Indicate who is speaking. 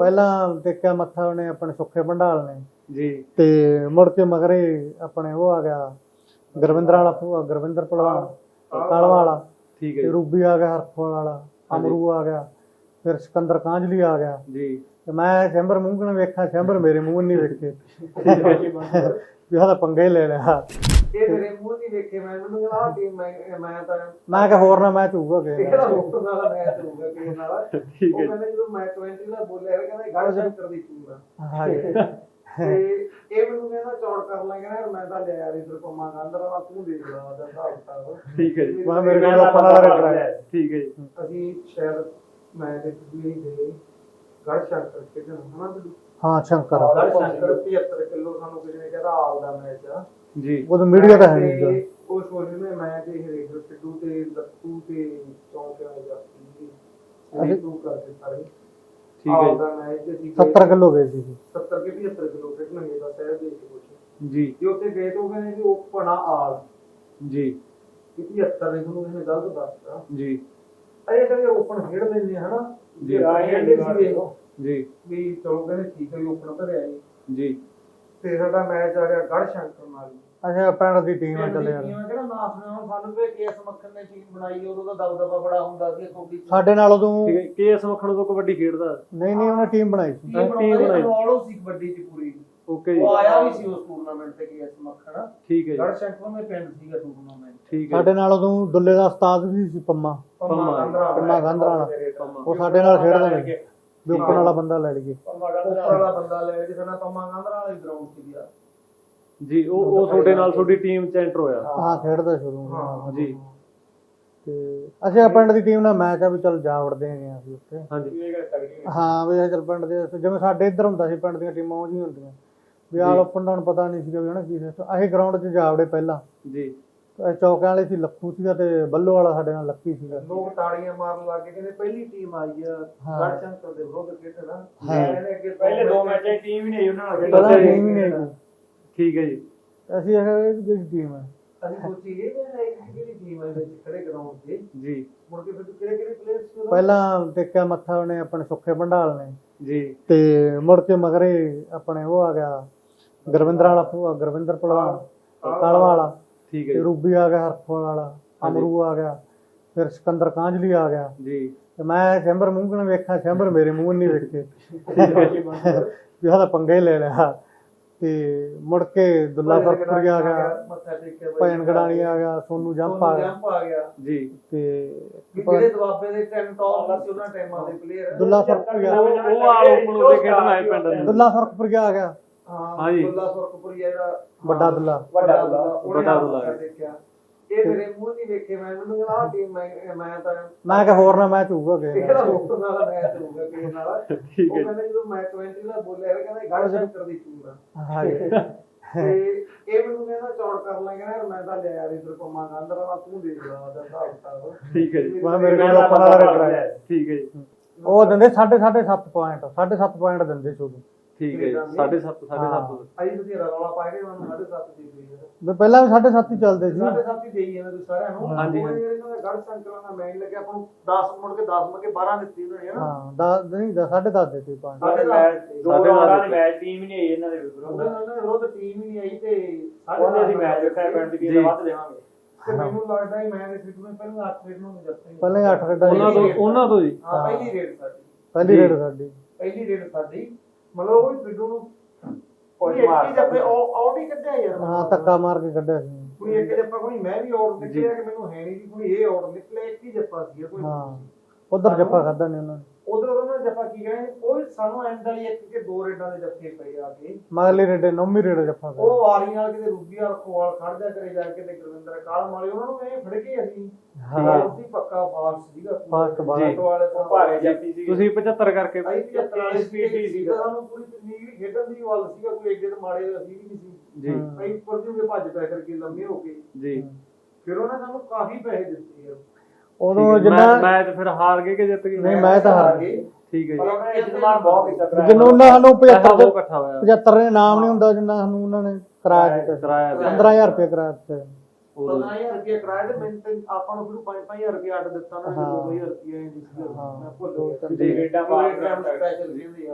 Speaker 1: ਪਹਿਲਾਂ ਟੇਕਿਆ ਮੱਥਾ ਉਹਨੇ ਆਪਣੇ ਸੁੱਖੇ ਭੰਡਾਲ ਨੇ
Speaker 2: ਜੀ
Speaker 1: ਤੇ ਮੁੜ ਕੇ ਮਗਰੇ ਆਪਣੇ ਉਹ ਆ ਗਿਆ ਗੁਰਵਿੰਦਰ ਵਾਲਾ ਗੁਰਵਿੰਦਰ ਭਲਵਾਨ ਕਾਲਵਾ ਵਾਲਾ
Speaker 2: ਠੀਕ ਹੈ
Speaker 1: ਤੇ
Speaker 2: ਜੀ
Speaker 1: ਰੂਬੀ ਆ ਗਿਆ ਹਰਫੋਲ ਵਾਲਾ ਅਮਰੂ ਆ ਗਿਆ ਫਿਰ ਸਿਕੰਦਰ ਕਾਂਝਲੀ ਆ ਗਿਆ
Speaker 2: ਜੀ
Speaker 1: ਤੇ ਮੈਂ ਸ਼ੈਂਬਰ ਮੂੰਹ ਨੂੰ ਵੇਖਾਂ ਸ਼ੈਂਬਰ ਮੇਰੇ ਮੂੰਹ ਨਹੀਂ ਵੇਖੇ ਵੀ ਉਹਦਾ ਪੰਗਾ ਹੀ ਲੈ ਲਿਆ
Speaker 3: ਇਹ ਮੇਰੇ ਮੂੰਹ ਨਹੀਂ ਵੇਖੇ ਮੈਨੂੰ ਕਹਿੰਦਾ ਆਹ ਟੀਮ ਮੈਂ ਤਾਂ
Speaker 1: ਮੈਂ ਕਿਹਾ ਹੋਰ ਨਾ ਮੈਚ ਹੋਊਗਾ ਕਿ
Speaker 3: ਕਿਹੜਾ ਰੋਕਣ ਵਾਲਾ ਮੈਚ ਹੋਊਗਾ ਕਿਸੇ ਨਾਲ
Speaker 2: ਠੀਕ
Speaker 3: ਉਹ
Speaker 2: ਹੈ
Speaker 3: ਕਹਿੰਦਾ ਜਦੋਂ ਮੈਂ 20 ਦਾ ਬੋਲਿਆ ਕਹਿੰਦਾ ਗੜ ਸ਼ੰਕਰ ਦੀ ਟੀਮ ਆ
Speaker 1: ਹਾਂਜੀ
Speaker 3: ਤੇ ਇਹ ਮੈਨੂੰ ਕਹਿੰਦਾ ਚੌੜ ਕਰ ਲਾਂਗੇ ਨਾ ਮੈਂ ਤਾਂ ਲਿਆ ਯਾਰ ਇਧਰ ਪੰਮਾ ਗੰਦਰ ਵਾਲਾ ਤੂੰ ਦੇਖ ਲਾ ਉਹਦਾ ਹਿਸਾਬ ਕਿਤਾਬ
Speaker 2: ਠੀਕ ਹੈ ਜੀ
Speaker 1: ਮੈਂ ਮੇਰੇ ਕੋਲ ਓਪਨ ਵਾਲਾ ਰੱਖਿਆ
Speaker 2: ਠੀਕ ਹੈ ਜੀ
Speaker 3: ਅਸੀਂ ਸ਼ਾਇਦ ਮੈਂ ਤੇ ਵੀ ਦੇ ਗੜ ਸ਼ੰਕਰ ਖੇਡਣ ਹਨਾ ਵੀ
Speaker 1: ਹਾਂ ਸ਼ੰਕਰ
Speaker 3: ਗੜ ਸ਼ੰਕਰ 75 ਕਿਲੋ ਸਾਨੂੰ ਕਿਸੇ ਨੇ ਕਹਿੰਦਾ ਆਲ ਦਾ ਮੈਚ ਆ
Speaker 1: ਜੀ ਉਹ ਮੀਡੀਆ ਤਾਂ ਹੈ ਨਹੀਂ
Speaker 3: ਤੇ ਉਸ ਵਾਰ ਮੈਂ ਤੇ ਹਰੇਕ ਸਿੱਧੂ ਤੇ ਲੱਤੂ ਤੇ ਚੌਂਕਿਆਂ ਦੇ ਜਾਤੀ ਅਸੀਂ ਤੂੰ ਕਰਕੇ ਸਾਰੇ
Speaker 2: ਠੀਕ ਹੈ
Speaker 3: ਦਾ ਮੈਚ ਸੀ
Speaker 1: 70 ਕਿਲੋ ਗਏ ਸੀ
Speaker 3: 70 ਕੇ 75 ਕਿਲੋ ਖੇਡਣਗੇ ਦਾ ਸ਼ਹਿਰ ਦੇ ਵਿੱਚ ਕੁਝ
Speaker 2: ਜੀ
Speaker 3: ਜੇ ਉੱਥੇ ਗਏ ਤਾਂ ਉਹ ਕਹਿੰਦੇ ਜੀ ਉਹ ਪਣਾ ਆਲ
Speaker 2: ਜੀ
Speaker 3: ਕਿ 75 ਨੇ ਤੁਹਾਨੂੰ ਇਹਨੇ ਗਲਤ ਦੱਸਤਾ
Speaker 2: ਜੀ
Speaker 3: ਇਹ ਕਹਿੰਦੇ ਓਪਨ ਖੇਡ ਲੈਂਦੇ ਹਨਾ
Speaker 2: ਜੀ।
Speaker 3: ਖੇਡਦੇ ਸੀਗੇ
Speaker 2: ਜੀ
Speaker 3: ਵੀ ਚਲੋ ਕਹਿੰਦੇ ਠੀਕ ਹੈ ਜੀ ਓਪਨ ਧਰਿਆ ਜੀ
Speaker 2: ਜੀ
Speaker 3: ਤੇ ਸਾਡਾ ਮੈਚ ਆ ਗਿਆ ਗੜ ਸ਼ੰਕਰ ਨਾਲ
Speaker 1: ਅੱਛਾ ਪਿੰਡ ਦੀ ਟੀਮ ਆ ਚੱਲੇ
Speaker 3: ਮੈਂ ਕਿਹੜਾ ਨਾ ਸੁਣਿਆ ਸਾਨੂੰ ਵੀ ਕੇਸ ਮੱਖਣ ਨੇ ਟੀਮ ਬਣਾਈ ਉਦੋਂ ਦਾ ਦਬਦਬਾ ਬੜਾ ਹੁੰਦਾ ਸੀ ਤੁਹਾਡੀ
Speaker 1: ਸਾਡੇ ਨਾਲ ਉਦੋਂ
Speaker 2: ਠੀਕ ਹੈ ਕੇਐਸ ਮੱਖਣ ਤੋਂ ਕਬੱਡੀ ਖੇਡਦਾ
Speaker 1: ਨਹੀਂ ਉਹਨੇ ਟੀਮ ਬਣਾਈ ਸੀ
Speaker 3: ਟੀਮ ਬਣਾਈ ਸੀ ਕਬੱਡੀ ਦੀ ਪੂਰੀ
Speaker 2: ਓਕੇ ਜੀ
Speaker 3: ਉਹ ਆਇਆ ਵੀ ਸੀ ਉਸ ਟੂਰਨਾਮੈਂਟ ਤੇ ਕੇਸ ਮੱਖਣ
Speaker 2: ਠੀਕ ਹੈ ਜੀ
Speaker 3: ਗੜ ਸ਼ੰਕਰ ਦੇ ਪਿੰਡ ਸੀਗਾ ਟੂਰਨਾਮੈਂਟ
Speaker 2: ਠੀਕ ਹੈ
Speaker 1: ਸਾਡੇ ਨਾਲ ਉਦੋਂ ਦੁੱਲੇ ਦਾ ਉਸਤਾਦ ਵੀ ਸੀ ਪੰਮਾ ਪੰਮਾ ਗੰਧਰਾ ਵਾਲਾ ਉਹ ਸਾਡੇ ਨਾਲ ਖੇਡਦਾ ਨੇ ਵੀ ਉੱਪਰ ਵਾਲਾ ਬੰਦਾ ਲੈ ਲਈਏ
Speaker 3: ਉੱਪਰ ਵਾਲਾ ਬੰਦਾ ਲੈ ਕੇ ਸਾਡਾ ਪੰਮਾ ਗੰਧਰਾ ਵਾਲੀ ਗਰਾਊਂਡ ਸੀ ਗਿਆ
Speaker 2: ਜੀ ਉਹ ਤੁਹਾਡੇ ਨਾਲ ਤੁਹਾਡੀ ਟੀਮ ਚ ਐਂਟਰ ਹੋਇਆ
Speaker 1: ਹਾਂ ਖੇਡਦਾ ਸ਼ੁਰੂ
Speaker 3: ਹਾਂ
Speaker 2: ਜੀ
Speaker 1: ਤੇ ਅਸੀਂ ਪਿੰਡ ਦੀ ਟੀਮ ਨਾਲ ਮੈਚ ਆ ਵੀ ਚੱਲ ਜਾ ਵੜਦੇ ਹੈਗੇ ਅਸੀਂ ਉੱਥੇ
Speaker 2: ਹਾਂਜੀ
Speaker 1: ਹਾਂ ਵੀ ਚੱਲ ਪਿੰਡ ਦੇ ਜਿਵੇਂ ਸਾਡੇ ਇੱਧਰ ਹੁੰਦਾ ਸੀ ਪਿੰਡ ਦੀਆਂ ਟੀਮਾਂ ਉਹ ਜਿਹੀਆਂ ਹੁੰਦੀਆਂ ਵੀ ਆਲ ਓਪਨ ਦਾ ਹੁਣ ਪਤਾ ਨਹੀਂ ਸੀਗਾ ਵੀ ਹਨਾ ਕੀ ਸਿਸਟਮ ਅਸੀਂ ਗਰਾਊਂਡ 'ਚ ਜਾ ਵੜੇ ਪਹਿਲਾਂ
Speaker 2: ਜੀ
Speaker 1: ਚੌਕਿਆਂ ਵਾਲੇ ਸੀ ਲੱਖੂ ਸੀਗਾ ਤੇ ਬੱਲੋ ਵਾਲਾ ਸਾਡੇ ਨਾਲ ਲੱਕੀ ਸੀਗਾ
Speaker 3: ਲੋਕ ਤਾੜੀਆਂ ਮਾਰਨ ਲੱਗ ਗਏ ਕਹਿੰਦੇ ਪਹਿਲੀ ਟੀਮ ਆਈ ਆ ਗੜ ਸ਼ੰਕਰ ਦੇ ਵਿਰੁੱਧ ਖੇਡਣਾ
Speaker 1: ਹਾਂ।
Speaker 3: ਇਹਨੇ ਅੱਗੇ ਪਹਿਲੇ ਦੋ ਮੈਚਾਂ ਟੀਮ ਹੀ ਨਹੀਂ ਉਹਨਾਂ ਨਾਲ
Speaker 1: ਪਹਿਲਾਂ ਟੀਮ ਹੀ ਨਹੀਂ
Speaker 2: ਠੀਕ ਹੈ ਜੀ
Speaker 1: ਅਸੀਂ ਇਹ ਜਿਹੜੀ ਟੀਮ ਹੈ
Speaker 3: ਅਸੀਂ ਸੋਚੀ ਇਹ ਕਿਹੜੀ ਟੀਮ ਹੈ ਵਿੱਚ ਖੜੇ ਗਰਾਊਂਡ ਤੇ
Speaker 2: ਜੀ
Speaker 3: ਮੁੜ ਕੇ ਫਿਰ ਕਿਹੜੇ ਪਲੇਅਰਸ ਸੀ
Speaker 1: ਪਹਿਲਾਂ ਟੇਕਿਆ ਮੱਥਾ ਉਹਨੇ ਆਪਣੇ ਸੁੱਖੇ ਭੰਡਾਲ ਨੇ
Speaker 2: ਜੀ
Speaker 1: ਤੇ ਮੁੜ ਕੇ ਮਗਰੇ ਆਪਣੇ ਉਹ ਆ ਗਿਆ ਗੁਰਵਿੰਦਰ ਵਾਲਾ ਗੁਰਵਿੰਦਰ ਭਲਵਾਨ ਕਾਲਵਾ ਵਾਲਾ
Speaker 2: ਠੀਕ ਹੈ
Speaker 1: ਤੇ
Speaker 2: ਜੀ
Speaker 1: ਰੂਬੀ ਆ ਗਿਆ ਹਰਫੋਲ ਵਾਲਾ ਅਮਰੂ ਆ ਗਿਆ ਫਿਰ ਸਿਕੰਦਰ ਕਾਂਝਲੀ ਆ ਗਿਆ
Speaker 2: ਜੀ
Speaker 1: ਤੇ ਮੈਂ ਸ਼ੈਂਬਰ ਮੂੰਹ ਨੂੰ ਵੇਖਾਂ ਸ਼ੈਂਬਰ ਮੇਰੇ ਮੂੰਹ ਨਹੀਂ ਵੇਖੇ ਵੀ ਉਹਦਾ ਪੰਗਾ ਹੀ ਲੈ ਲਿਆ ਤੇ ਮੁੜ ਕੇ ਦੁੱਲਾ ਫਰਕਪੁਰੀ ਆ ਗਿਆ
Speaker 3: ਮੱਥਾ ਟੇਕਿਆ
Speaker 1: ਭੈਣ ਗੜਾਣੀ ਆ ਗਿਆ ਸੋਨੂ ਜੰਪ ਆ ਗਿਆ
Speaker 3: ਜੰਪ ਆ ਗਿਆ
Speaker 2: ਜੀ
Speaker 1: ਤੇ
Speaker 3: ਜਿਹੜੇ ਦੁਆਬੇ ਦੇ ਟਾਈਮ ਟੌਪ ਸੀ ਉਹਨਾਂ ਟਾਈਮਾਂ ਦੇ ਪਲੇਅਰ
Speaker 1: ਦੁੱਲਾ ਫਰਕਪੁਰੀ ਆ
Speaker 2: ਉਹ ਆਲ ਓਪਨ ਤੇ ਖੇਡਣਾ ਹੈ ਪਿੰਡ ਦੇ
Speaker 1: ਦੁੱਲਾ ਫਰਕਪੁਰੀ ਆ ਗਿਆ
Speaker 2: ਹਾਂਜੀ।
Speaker 3: ਦੁੱਲਾ ਫਰਕਪੁਰੀ ਜਿਹੜਾ
Speaker 1: ਵੱਡਾ ਦੁੱਲਾ
Speaker 3: ਵੱਡਾ
Speaker 2: ਵੱਡਾ ਦੁੱਲਾ
Speaker 3: ਦੇਖਿਆ ਇਹ ਮੇਰੇ ਮੂੰਹ ਨਹੀਂ ਵੇਖੇ ਮੈਨੂੰ ਕਹਿੰਦਾ ਆਹ ਟੀਮ ਮੈਂ ਤਾਂ
Speaker 1: ਮੈਂ ਕਿਹਾ ਹੋਰ ਨਾ ਮੈਚ ਹੋਊਗਾ ਕਿ
Speaker 3: ਕਿਹੜਾ ਰੋਕਣ ਵਾਲਾ ਮੈਚ ਹੋਊਗਾ ਕਿਸੇ ਨਾਲ
Speaker 2: ਠੀਕ
Speaker 3: ਉਹ
Speaker 2: ਹੈ
Speaker 3: ਕਹਿੰਦਾ ਜਦੋਂ ਮੈਂ 20 ਦਾ ਬੋਲਿਆ ਕਹਿੰਦਾ ਗੜ ਸ਼ੰਕਰ ਦੀ ਟੀਮ ਆ
Speaker 1: ਹਾਂਜੀ
Speaker 3: ਤੇ ਇਹ ਮੈਨੂੰ ਕਹਿੰਦਾ ਚੌੜ ਕਰ ਲਾਂਗੇ ਨਾ ਮੈਂ ਤਾਂ ਲਿਆ ਯਾਰ ਇਧਰ ਪੰਮਾ ਗੰਦਰ ਵਾਲਾ ਤੂੰ ਦੇਖ ਲਾ ਉਹਦਾ ਹਿਸਾਬ ਕਿਤਾਬ
Speaker 2: ਠੀਕ ਹੈ ਜੀ
Speaker 1: ਮੈਂ ਮੇਰੇ ਕੋਲ ਓਪਨ ਵਾਲਾ ਰੱਖਿਆ
Speaker 2: ਠੀਕ ਹੈ ਜੀ
Speaker 1: ਉਹ ਦਿੰਦੇ 7.5 ਪੁਆਇੰਟ 7.5 ਪੁਆਇੰਟ ਦਿੰਦੇ ਸ਼ੁਰੂ
Speaker 2: ਠੀਕ ਹੈ ਜੀ 7.5
Speaker 3: ਆਈ ਤੁਸੀਂ ਰੌਲਾ ਪਾ ਕੇ ਮੈਨੂੰ 7.5 ਦੇ ਗਈ
Speaker 1: ਵੀ ਪਹਿਲਾਂ ਵੀ 7.5 ਹੀ ਚੱਲਦੇ ਸੀ
Speaker 3: 7.5 ਹੀ ਦੇਈ ਇਹਨਾਂ ਨੂੰ ਸਾਰਿਆਂ ਨੂੰ
Speaker 2: ਹਾਂਜੀ,
Speaker 3: ਉਹ ਇਹਨਾਂ ਦਾ ਗੜ ਸੰਕਲਨ ਦਾ ਮੈਚ ਲੱਗਿਆ ਆਪਾਂ ਨੂੰ 10 ਮੁੜ ਕੇ 10 ਮੁੜ ਕੇ 12 ਦਿੱਤੀ ਉਹਨਾਂ ਨੇ ਹਨਾ
Speaker 1: ਹਾਂ 10 ਨਹੀਂ 10.5 ਦਿੱਤੇ ਪੁਆਇੰਟ
Speaker 3: ਸਾਡੇ ਮੈਚ
Speaker 2: ਦੋ ਰੌਂਡਾਂ ਦੀ
Speaker 4: ਮੈਚ ਟੀਮ ਹੀ ਨਹੀਂ ਆਈ ਇਹਨਾਂ ਦੇ ਵਿਰੁੱਧ
Speaker 3: ਉਹਨਾਂ ਦੇ ਵਿਰੁੱਧ ਟੀਮ ਹੀ ਨਹੀਂ ਆਈ ਤੇ
Speaker 4: ਉਹਨੇ ਅਸੀਂ ਮੈਚ ਰੱਖਿਆ ਪਿੰਡ ਦੀ ਟੀਮ ਵੱਧ ਦੇਵਾਂਗੇ
Speaker 3: ਤੇ ਮੈਨੂੰ ਲੱਗਦਾ ਹੈ ਮੈਂ ਦੇ ਫਿੱਟ ਨੂੰ ਪਹਿਲਾਂ 8 ਰੇਡ ਨੂੰ ਜਿੱਤੇ
Speaker 1: ਪਹਿਲਾਂ 8 ਰੇਡਾਂ
Speaker 2: ਉਹਨਾਂ ਤੋਂ ਜੀ
Speaker 3: ਹਾਂ ਪਹਿਲੀ ਰੇਡ ਸਾਡੀ
Speaker 1: ਪਹਿਲੀ ਰੇਡ ਸਾਡੀ
Speaker 3: ਪਹਿਲੀ ਰੇਡ ਸਾਡੀ ਮਤਲਬ ਉਹ ਫਿੱਟੂ ਨੂੰ ਕੋਈ ਇੱਕ ਜੱਫੇ ਆਊਟ ਹੀ ਕੱਢਿਆ ਯਾਰ
Speaker 1: ਹਾਂ ਧੱਕਾ ਮਾਰ ਕੇ ਕੱਢਿਆ ਸੀ
Speaker 3: ਕੋਈ ਇੱਕ ਜੱਫਾ ਕੋਈ ਮੈਂ ਵੀ ਆਊਟ ਨਿਕਲਿਆ ਕਿ ਮੈਨੂੰ ਹੈ ਨਹੀਂ ਸੀ ਕੋਈ ਇਹ ਆਊਟ ਨਿਕਲਿਆ ਇੱਕ ਹੀ ਜੱਫਾ ਸੀ ਕੋਈ
Speaker 1: ਹਾਂ ਉਧਰ ਜੱਫਾ ਖਾਦਾ ਨੇ ਉਹਨਾਂ ਨੇ
Speaker 3: ਉਧਰ ਉਹਨਾਂ ਨੇ ਜੱਫਾ ਕੀ ਕਹਿੰਦੇ ਕੋਈ ਸਾਨੂੰ ਐਂਡ ਵਾਲੀ ਇੱਕ ਕਿ ਦੋ ਰੇਡਾਂ ਦੇ ਜੱਫੇ ਪਏ ਆ ਕੇ
Speaker 1: ਮਗਲੀ ਰੇਡੇ ਨੌਵੀਂ ਰੇਡ ਜੱਫਾ ਖਾਦਾ
Speaker 3: ਉਹ ਵਾਰੀ ਨਾਲ ਕਿਤੇ ਰੂਬੀਆ ਰਖਵਾਲ ਖੜ ਜਾ ਕਰੇ ਜਾ ਕੇ ਤੇ ਗੁਰਵਿੰਦਰ ਕਾਲਮ ਵਾਲੇ ਉਹਨਾਂ ਨੂੰ ਇਹ ਫੜ ਕੇ ਅਸੀਂ
Speaker 1: ਹਾਂ।
Speaker 3: ਉਸੇ ਪੱਕਾ ਫਾਸਟ ਸੀਗਾ
Speaker 1: ਫਾਸਟ ਬਾਲ
Speaker 3: ਵਾਲੇ ਤਾਂ
Speaker 4: ਭਾਰੇ ਜਾਤੀ ਸੀ
Speaker 2: ਤੁਸੀਂ 75 ਕਰਕੇ
Speaker 3: ਆਈ 75 ਵਾਲੀ ਸਪੀਡ ਸੀਗਾ ਸਾਨੂੰ ਪੂਰੀ ਤਕਨੀਕ ਖੇਡਣ ਦੀ ਵੱਲ ਸੀਗਾ ਕੋਈ ਏਡੇ ਤੇ ਮਾੜੇ ਅਸੀਂ ਵੀ ਨਹੀਂ ਸੀ
Speaker 2: ਜੀ
Speaker 3: ਅਸੀਂ ਪਰਜੂਗੇ ਭੱਜ ਪੈ ਕਰਕੇ ਲੰਮੇ ਹੋ ਕੇ
Speaker 2: ਜੀ
Speaker 3: ਫਿਰ ਉਹਨਾਂ ਨੇ ਸਾਨੂੰ ਕਾਫੀ ਪੈਸੇ ਦਿੱਤੇ ਯਾਰ
Speaker 1: ਉਦੋਂ ਜਿੰਨਾ
Speaker 2: ਮੈਚ ਫਿਰ ਹਾਰ ਗਏ ਕਿ ਜਿੱਤ ਗਏ
Speaker 1: ਨਹੀਂ ਮੈਂ ਤਾਂ ਹਾਰ
Speaker 3: ਗਏ
Speaker 2: ਠੀਕ ਹੈ
Speaker 3: ਪਰ
Speaker 2: ਜੀ
Speaker 3: ਉਹਨਾਂ ਨੇ ਇਤਮਾਨ ਬਹੁਤ ਕੀਤਾ ਕਰਾਇਆ
Speaker 1: ਜਿੰਨੂੰ ਉਹਨਾਂ ਸਾਨੂੰ
Speaker 2: ਪੈਸਾ
Speaker 1: 75
Speaker 2: ਬਹੁਤ ਇਕੱਠਾ ਹੋਇਆ
Speaker 1: 75 ਨੇ ਨਾਮ ਨਹੀਂ ਹੁੰਦਾ ਜਿੰਨਾ ਸਾਨੂੰ ਉਹਨਾਂ ਨੇ ਕਿਰਾਇਆ ਦਿੱਤਾ ਸੀ।
Speaker 2: ਕਿਰਾਇਆ ਦਿੱਤਾ।
Speaker 1: 15000 ਰੁਪਏ ਕਿਰਾਇਆ ਦਿੱਤਾ
Speaker 3: 15000 ਰੁਪਏ ਕਿਰਾਇਆ ਤੇ ਮੈਨੂੰ ਤੇ ਆਪਾਂ ਨੂੰ ਫਿਰ 5-5000 ਰੁਪਏ ਅੱਡ ਦਿੱਤਾ ਉਹਨਾਂ ਨੇ 2000 ਰੁਪਏ
Speaker 1: ਹਾਂ।
Speaker 3: ਮੈਂ ਭੁੱਲ ਗਿਆ
Speaker 2: ਜੀ।
Speaker 4: ਰੇਡਾਂ ਬਾਹਰ
Speaker 3: ਸਪੈਸ਼ਲ ਕਹਿੰਦੇ ਆ